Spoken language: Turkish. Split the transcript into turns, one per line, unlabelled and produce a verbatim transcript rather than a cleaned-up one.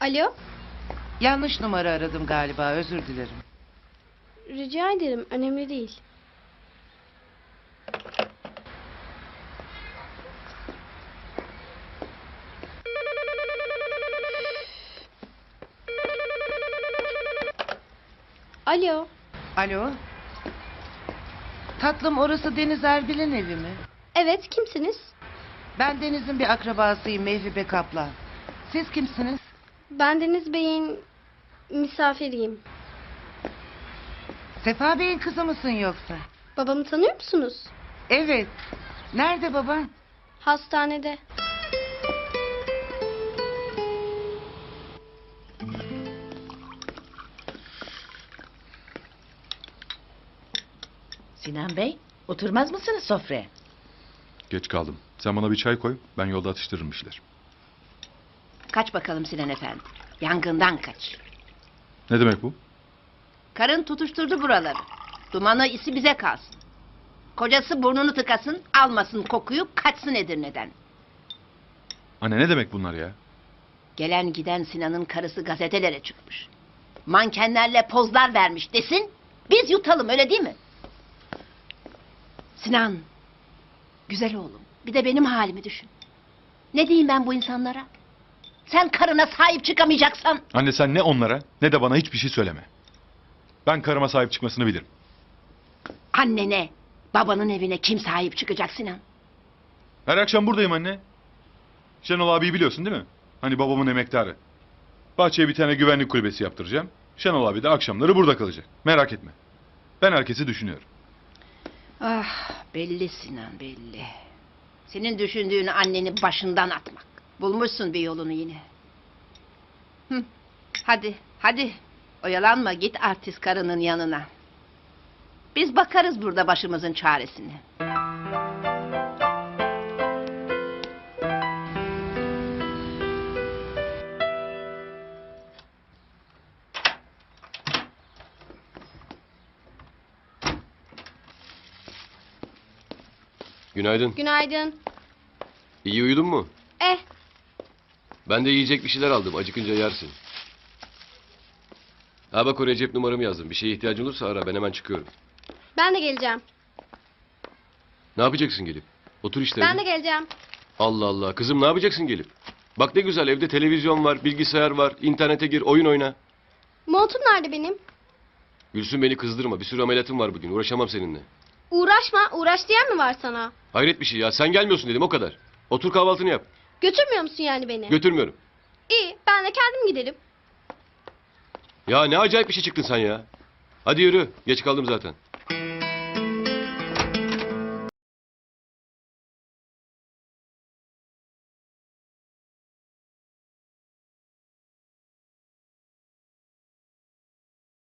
Alo,
Yanlış numara aradım galiba, özür dilerim.
rica ederim. Önemli değil. Alo,
Alo? Tatlım, orası Deniz Erbil'in evi mi?
evet kimsiniz?
Ben Deniz'in bir akrabasıyım, Mevhibe Kaplan. Siz kimsiniz?
Ben Deniz Bey'in misafiriyim.
Sefa Bey'in kızı mısın yoksa?
Babamı tanıyor musunuz?
Evet. Nerede baban?
Hastanede.
Sinan Bey, oturmaz mısınız sofraya?
Geç kaldım. Sen bana bir çay koy. Ben yolda atıştırırım işler.
Kaç bakalım Sinan Efendi. Yangından kaç.
Ne demek bu?
Karın tutuşturdu buraları. Dumanı isi bize kalsın. Kocası burnunu tıkasın, almasın kokuyu, kaçsın Edirne'den.
Anne ne demek bunlar ya?
Gelen giden Sinan'ın karısı gazetelere çıkmış. Mankenlerle pozlar vermiş desin, biz yutalım öyle değil mi? Sinan, güzel oğlum, bir de benim halimi düşün. Ne diyeyim ben bu insanlara? Sen karına sahip çıkamayacaksan...
Anne sen ne onlara ne de bana hiçbir şey söyleme. Ben karıma sahip çıkmasını bilirim.
Annene, babanın evine kim sahip çıkacak Sinan?
Her akşam buradayım anne. Şenol abiyi biliyorsun değil mi? Hani babamın emektarı. Bahçeye bir tane güvenlik kulübesi yaptıracağım. Şenol abi de akşamları burada kalacak. Merak etme. Ben herkesi düşünüyorum.
Ah, belli Sinan, belli. Senin düşündüğünü anneni başından atmak. Bulmuşsun bir yolunu yine. Hı, hadi, hadi. Oyalanma, git artist karının yanına. Biz bakarız burada başımızın çaresine.
Günaydın.
Günaydın.
İyi uyudun mu?
Eh,
Ben de yiyecek bir şeyler aldım. Acıkınca yersin. Ha bak oraya cep numaramı yazdım. Bir şeye ihtiyacın olursa ara. Ben hemen çıkıyorum.
ben de geleceğim.
Ne yapacaksın gelip? Otur işte.
Ben
evde.
de geleceğim.
Allah Allah. Kızım ne yapacaksın gelip? Bak ne güzel evde televizyon var, bilgisayar var. İnternete gir, oyun oyna.
Montum nerede benim?
Gülsün beni kızdırma. Bir sürü ameliyatım var bugün. Uğraşamam seninle.
Uğraşma, uğraş diyen mi var sana?
Hayret bir şey ya. Sen gelmiyorsun dedim o kadar. Otur kahvaltını yap.
Götürmüyor musun yani beni?
Götürmüyorum.
İyi, ben de kendim giderim.
Ya ne acayip bir şey çıktın sen ya. Hadi yürü. Geç kaldım zaten.